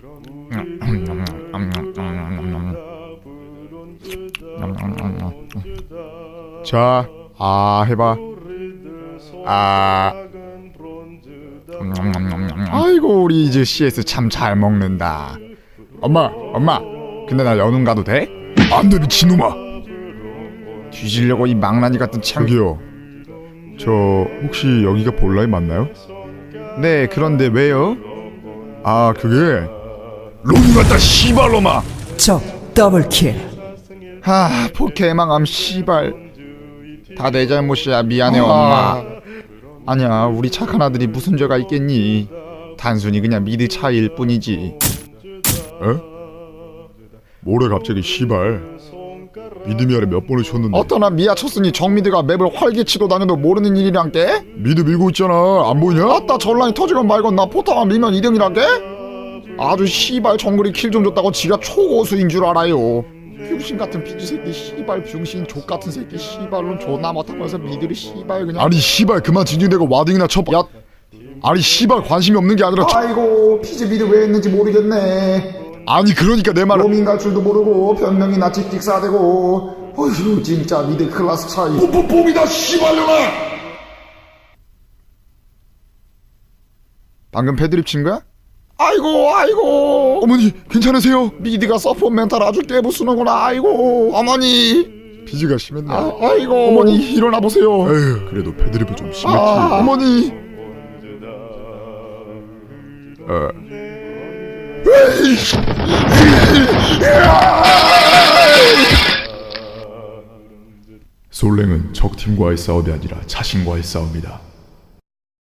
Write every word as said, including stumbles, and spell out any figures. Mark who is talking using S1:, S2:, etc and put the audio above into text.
S1: 자, 아 해봐. 아. 아이고 우리 이제 씨에스 참 잘 먹는다. 엄마, 엄마. 근데 나 연훈 가도 돼? 안돼 미친놈아. 뒤지려고 이 망나니 같은 창. 저기요. 저 혹시 여기가 볼라인 맞나요? 네, 그런데 왜요? 아 그게 롱 같다 씨발놈아.
S2: 적 더블킬.
S1: 하 포켓망함 씨발. 다 내 잘못이야. 미안해
S3: 아.
S1: 엄마. 아니야 우리 착한 아들이 무슨 죄가 있겠니. 단순히 그냥 미드 차이일 뿐이지. 에? 뭐래 갑자기 씨발. 미드 미아를 몇 번을 쳤는데 어떠나 미아 쳤으니 정미드가 맵을 활개치고 다녀도 모르는 일이란게? 미드 밀고 있잖아 안 보이냐? 아따 전란이 터지건 말건 나 포탑만 밀면 이 등이란게? 아주 씨발 정글이 킬 좀 줬다고 지가 초고수인 줄 알아요. 병신 같은 비주 새끼 씨발 병신 족 같은 새끼 씨발론 존나 못하면서 미드를 씨발 그냥. 아니 씨발 그만 진중대고 와딩이나 쳐. 야 아니 씨발 관심이 없는 게 아니라. 아이고 피지 미드 왜 했는지 모르겠네. 아니 그러니까 내 말은 로밍 갈 줄도 모르고 변명이나 찍찍싸대고. 어휴 진짜 미드 클래스 차이. 뽀뽀뽀이다 씨발년아. 방금 패드립 친 거야? 아이고 아이고 어머니 괜찮으세요? 미드가 서포 멘탈 아주 깨부수는구나. 아이고 어머니 비지가 심했네. 아, 아이고 어머니 일어나 보세요. 에휴 그래도 패드립이 좀 심했지. 아, 어머니 어. 솔랭은 적팀과의 싸움이 아니라 자신과의 싸움이다.